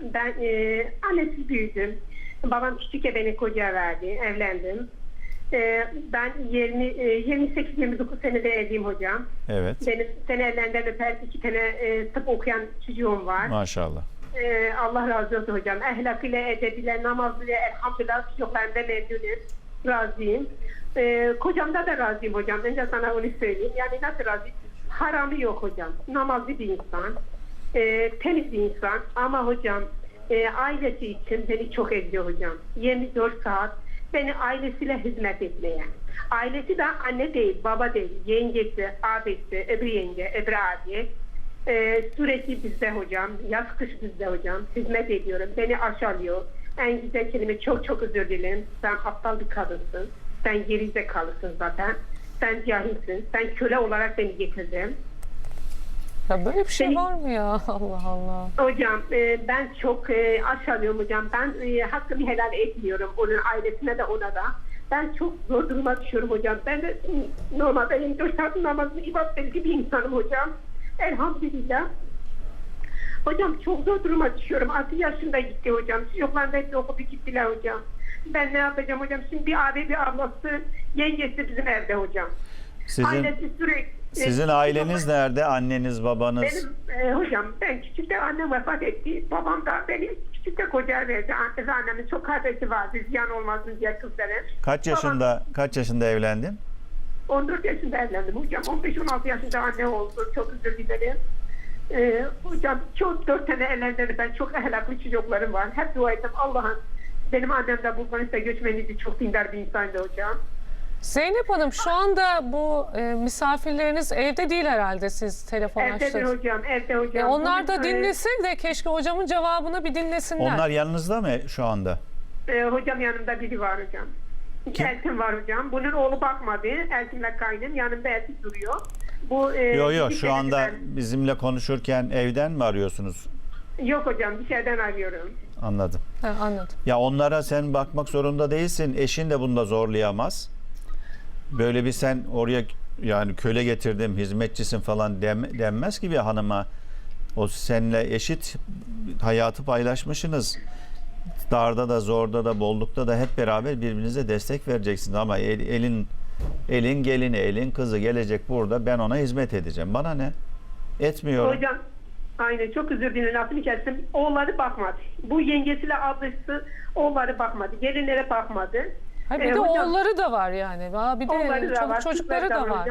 Ben annesiz büyüdüm. Babam küçükken beni kocaya verdi. Evlendim. Ben 28-29 senede evliyim hocam. Evet. Benim sene ellerinden öper 2 tane tıp okuyan çocuğum var. Maşallah. Allah razı olsun hocam. Ahlakıyla, edebiyle, namazıyla elhamdülillah çocuklarımdan memnunum. Razıyım. Kocamda da razıyım hocam. Önce sana onu söyleyeyim. Yani nasıl razıyım? Haramı yok hocam. Namazlı bir insan. Temiz bir insan. Ama hocam ailesi için beni çok ediyor hocam. 24 saat beni ailesiyle hizmet etmeye. Ailesi de anne değil, baba değil, yengesi, abisi, öbür yenge, öbür abi. Sürekli bizde hocam, yaz kış bizde hocam. Hizmet ediyorum. Beni aşağılıyor. En güzel kelime çok özür dilerim. Sen aptal bir kadınsın. Sen gerizekalısın zaten. Sen cahilsin. Sen köle olarak beni getirdin. Ya böyle bir şey var mı ya? Allah Allah. Hocam ben çok aşağılıyorum hocam. Ben hakkımı helal etmiyorum. Onun ailesine de ona da. Ben çok zor duruma düşüyorum hocam. Ben de normalde 24 saat namazını ibadet edici bir insanım hocam. Elhamdülillah. Hocam çok zor duruma düşüyorum. 6 yaşında gitti hocam. Çocuklar da hepsi okudu gittiler hocam. Ben ne yapacağım hocam? Şimdi bir abi, bir ablası, yengesi bizim evde hocam. Ailesi sürekli... Sizin aileniz nerede? Anneniz, babanız? Benim hocam ben küçükte annem vefat etti. Babam da beni küçükte kocaya verdi. Annemin çok kardeşi vardı. Ziyan olmasın diye kızların. Kaç yaşında evlendin? 14 yaşında evlendim hocam. 15-16 yaşında anne oldu. Çok özür dilerim. Hocam çok 4 tane evlendim. Ben çok ahlaklı çocuklarım var. Hep dua ettim. Allah'ım benim annem de Bulgaristan göçmeniydi. Çok dindar bir insandı hocam. Zeynep Hanım şu anda bu misafirleriniz evde değil herhalde, siz telefon Evdedir açtınız. hocam. Evde hocam. Onlar da dinlesin de keşke hocamın cevabını bir dinlesinler. Onlar yanınızda mı şu anda? Hocam yanımda biri var hocam. Eltim var hocam. Bunun oğlu bakmadı. Eltimle kaynım. Yanımda Eltim duruyor. Yok şu anda bizimle konuşurken evden mi arıyorsunuz? Yok hocam, dışarıdan arıyorum. Anladım. Ha, anladım. Ya onlara sen bakmak zorunda değilsin. Eşin de bunda zorlayamaz. Böyle bir sen oraya yani köle getirdim, hizmetçisin falan denmez ki bir hanıma. O seninle eşit hayatı paylaşmışsınız. Darda da, zorda da, bollukta da hep beraber birbirinize destek vereceksiniz. Ama elin gelini, elin kızı gelecek burada, ben ona hizmet edeceğim. Bana ne? Etmiyorum. Hocam, aynen çok özür dilerim. Lafını kestim. Oğulları bakmadı. Bu yengesiyle ablası oğulları bakmadı. Gelinlere bakmadı. Ha, bir de hocam, oğulları da var yani. Bir de çocukları da var.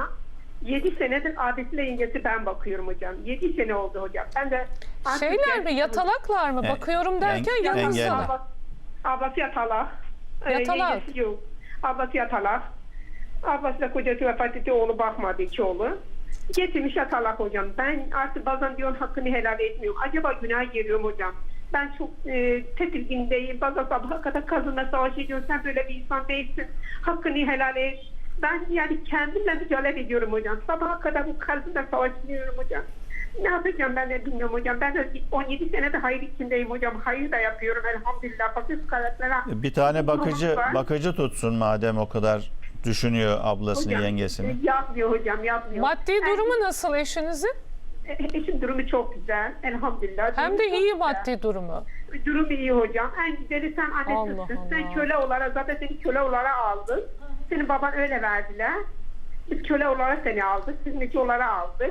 7 senedir abisiyle yengesi ben bakıyorum hocam. 7 sene oldu hocam. Ben de şeyler mi, yatalaklar mı? Bakıyorum derken yanınızda. Ablası yatalak. Yatalak. Yengesi yok. Ablası yatalak. Ablası da kocası vefat etti. Oğlu bakmadı, iki oğlu. Getirmiş yatalak hocam. Ben artık bazen diyorum hakkını helal etmiyorum. Acaba günah giriyorum hocam. Ben çok tedirgindeyim. Bazen sabaha kadar kadınla savaş ediyorum. Sen böyle bir insan değilsin. Hakkını helal et. Ben yani kendimle mücadele ediyorum hocam. Sabaha kadar bu kadınla savaşıyorum hocam. Ne yapacağım ben de bilmiyorum hocam. Ben de 17 senede hayır içindeyim hocam. Hayır da yapıyorum elhamdülillah. Fakir karakterler. Bir tane bakıcı tutsun madem o kadar düşünüyor ablasını, hocam, yengesini. Yapmıyor hocam, yapmıyor. Maddi durumu nasıl eşinizin? Eşim durumu çok güzel elhamdülillah. Hem de iyi güzel. maddi durumu. Durum iyi hocam. En güzeli sen annesisin. Sen köle olarak, zaten seni köle olarak aldık. Senin baban öyle verdiler. Biz köle olarak seni aldık. Hizmetçi olarak aldık.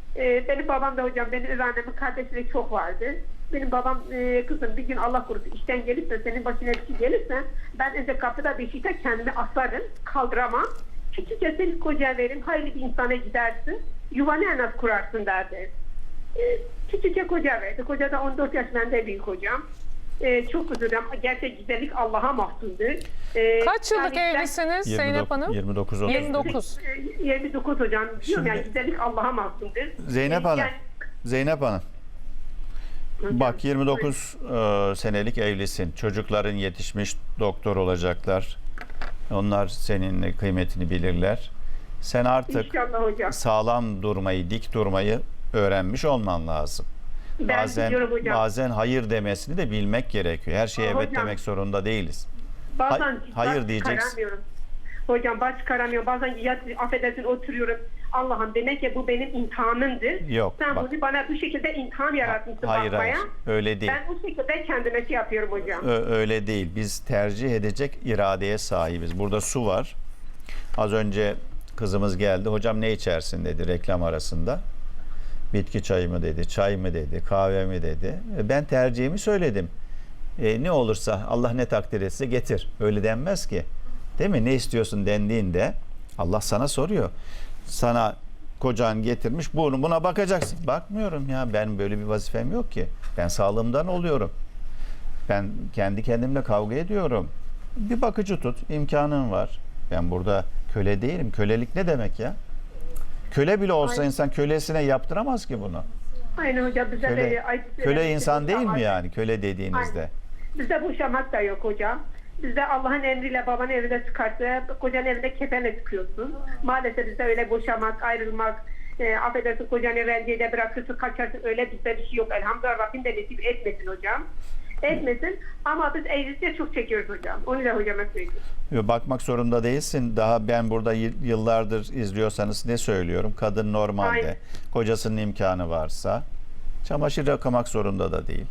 Benim babam da hocam, benim öz annemin kardeşleri çok vardı. Benim babam kızım bir gün Allah korusun işten gelip de senin başına bir şey gelirse ben önce kapıda beşikte kendimi asarım, kaldıramam. Küçükçe seni kocaya veririm, hayırlı bir insana gidersin, yuvanı en az kurarsın derdi. Küçükçe koca verdi. Koca da 14 yaş, benden büyük hocam. Çok üzülüyorum. Gerçek güzellik Allah'a mahsustur. Kaç yıllık evlisiniz Zeynep Hanım? 29. 29. 29 hocam. Diyorum yani güzellik Allah'a mahsustur. Zeynep Hanım. Bak 29 senelik evlisin. Çocukların yetişmiş, doktor olacaklar. Onlar senin kıymetini bilirler. Sen artık sağlam durmayı, dik durmayı öğrenmiş olman lazım. Bazen hayır demesini de bilmek gerekiyor. Her şeye evet demek zorunda değiliz. Bazen hayır diyeceksin. Hocam baş çıkaramıyorum. Bazen affedersin oturuyorum. Allah'ım demek ki bu benim imtihanımdır. Yok, Sen bak. bunu bana bu şekilde imtihan yaratmışsın Hayır, bakmaya. hayır. Öyle değil. Ben bu şekilde kendime şey yapıyorum hocam. Öyle değil. Biz tercih edecek iradeye sahibiz. Burada su var. Az önce kızımız geldi. Hocam ne içersin dedi reklam arasında. Bitki çayı mı dedi, çay mı dedi, kahve mi dedi. Ben tercihimi söyledim. Ne olursa Allah ne takdir etse getir. Öyle denmez ki. Değil mi? Ne istiyorsun dendiğinde Allah sana soruyor. Sana kocan getirmiş, buna bakacaksın. Bakmıyorum ya, ben böyle bir vazifem yok ki. Ben sağlığımdan oluyorum. Ben kendi kendimle kavga ediyorum. Bir bakıcı tut, imkanın var. Ben burada köle değilim. Kölelik ne demek ya? Köle bile olsa Aynen. insan kölesine yaptıramaz ki bunu. Aynen hocam bize Köle insan değil mi yani köle dediğinizde? Aynen. Bizde boşamak da yok hocam. Bizde Allah'ın emriyle babanın evinde çıkarsa kocanın evinde kefenle çıkıyorsun. Maalesef bizde öyle boşamak, ayrılmak, affedersin kocanı rencide bırakırsın, kaçarsın, öyle bizde bir şey yok. Elhamdülillah Rabbim de nasip etmesin hocam. Etmesin ama biz evlilikte çok çekiyoruz hocam. Onu da hocama söyleyeyim. Bakmak zorunda değilsin. Daha ben burada yıllardır izliyorsanız ne söylüyorum? Kadın normalde Aynen. kocasının imkanı varsa çamaşır yıkamak zorunda da değil.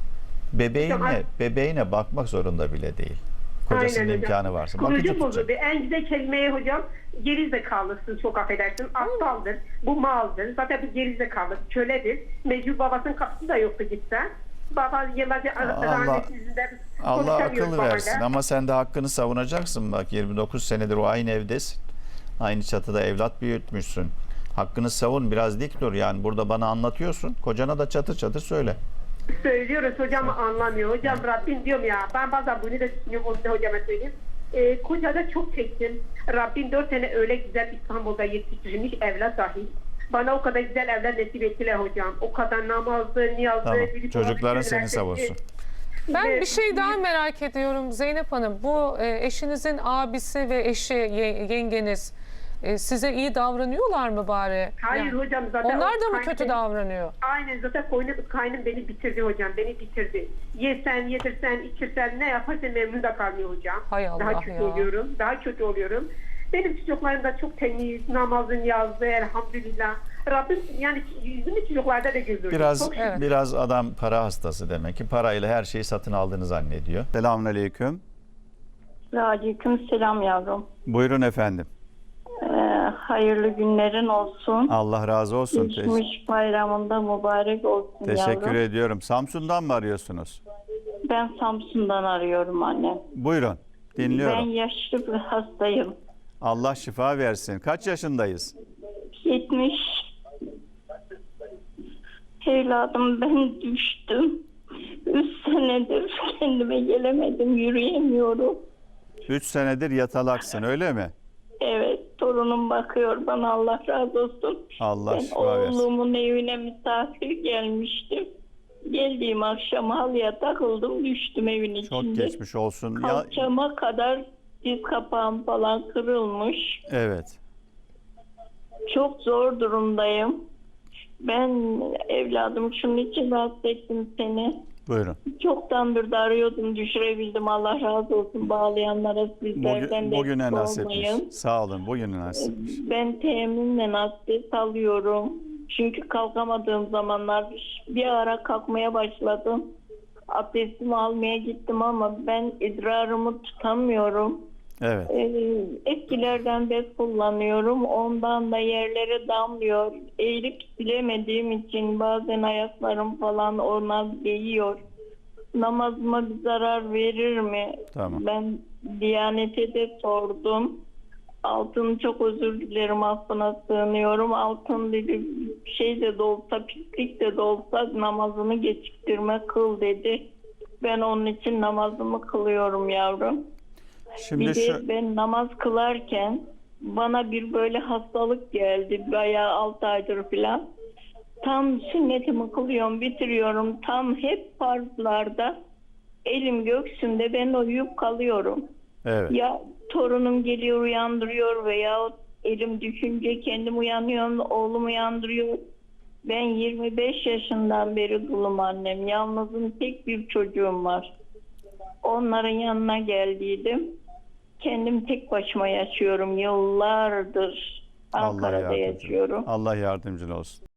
Bebeğine bakmak zorunda bile değil. Kocasının Aynen hocam. imkanı varsa. Kurucu Bakıcı bozuldu. tutacak. En güzel kelimeye hocam gerizekalısın, çok affedersin. Aptaldır, bu maldır. Zaten bu gerizekalı, köledir. Mecbur babasının kapısı da yoktu gitsen. Baba yıllarca rahmetsizliğinden Allah akıl konuşamıyor versin babayla. ama sen de hakkını savunacaksın. Bak 29 senedir o aynı evdesin. Aynı çatıda evlat büyütmüşsün. Hakkını savun, biraz dik dur. Yani burada bana anlatıyorsun. Kocana da çatır çatır söyle. Söylüyoruz hocam anlamıyor. Hocam Rabbim diyorum ya, ben bazen bunu da düşünüyorum, onu da hocama söyleyeyim. Kocada çok çektim. Rabbim 4 sene öyle güzel İstanbul'da yetiştirmiş evlat dahil. Bana o kadar güzel evlat nasip ettiler hocam. O kadar namazlı, niyazlı. Tamam. bilip Çocukların oruç seni üniversitesi. savunsun. Ben Ve- bir şey daha merak ediyorum Zeynep Hanım. Bu eşinizin abisi ve eşi, yengeniz size iyi davranıyorlar mı bari? Hayır Yani hocam zaten onlar da mı kaynım kötü beni- davranıyor? Aynen zaten kaynım beni bitirdi hocam, beni bitirdi. Yesen, yedirsen, içirsen ne yaparsan memnun da kalmıyor hocam. Hay Allah Daha kötü ya. oluyorum, daha kötü oluyorum. Benim çocuklarım da çok temiz, namazın yazdı elhamdülillah. Rabbim yani yüzümü çocuklarda da güldürdü. Biraz Çok şükür. Evet. biraz adam para hastası demek ki. Parayla her şeyi satın aldığını zannediyor. Selamünaleyküm. Aleyküm selam yavrum. Buyurun efendim. Hayırlı günlerin olsun. Allah razı olsun. Geçmiş bayramında mübarek olsun Teşekkür yavrum. ediyorum. Samsun'dan mı arıyorsunuz? Ben Samsun'dan arıyorum anne. Buyurun. Ben Dinliyorum. yaşlı bir hastayım. Allah şifa versin. Kaç yaşındayız? 70. Evladım ben düştüm. 3 senedir kendime gelemedim. Yürüyemiyorum. 3 senedir yatalaksın öyle mi? Evet, torunum bakıyor bana, Allah razı olsun. Allah Ben şifa versin. oğlumun evine misafir gelmiştim. Geldiğim akşam halıya takıldım, düştüm evin içinde. Çok geçmiş olsun. Ya, Kalçama kadar diz kapağım falan kırılmış. evet. Çok zor durumdayım. Ben evladım şunun için rahatsız ettim seni. Buyurun. Çoktandır da arıyordum, düşürebildim. Allah razı olsun bağlayanlara, sizlerden de Bugüne eksik nasipmiş. olmayın. Sağ olun. Bugüne nasipmiş. Ben teminle abdest alıyorum. Çünkü kalkamadığım zamanlar bir ara kalkmaya başladım. Abdestimi almaya gittim ama ben idrarımı tutamıyorum. Evet. Eskilerden bez kullanıyorum. Ondan da yerlere damlıyor. Eğilip silemediğim için bazen ayaklarım falan ona değiyor. Namazıma bir zarar verir mi? Tamam. Ben Diyanet'e de sordum. Altın, çok özür dilerim, affına sığınıyorum. Altın dedi, şey de olsa, pislik de olsa namazını geciktirme, kıl dedi. Ben onun için namazımı kılıyorum yavrum. Şimdi Bir şu de ben namaz kılarken bana bir böyle hastalık geldi. Bayağı 6 aydır falan. Tam sünnetimi kılıyorum, bitiriyorum. Tam hep farzlarda elim göksümde, ben uyuyup kalıyorum. evet. Ya torunum geliyor uyandırıyor veya elim düşünce kendim uyanıyorum, oğlum uyandırıyor. Ben 25 yaşından beri dulum annem. Yalnızım, tek bir çocuğum var. Onların yanına geldiydim. Kendim tek başıma yaşıyorum yıllardır. Ankara'da yaşıyorum. Allah yardımcın olsun.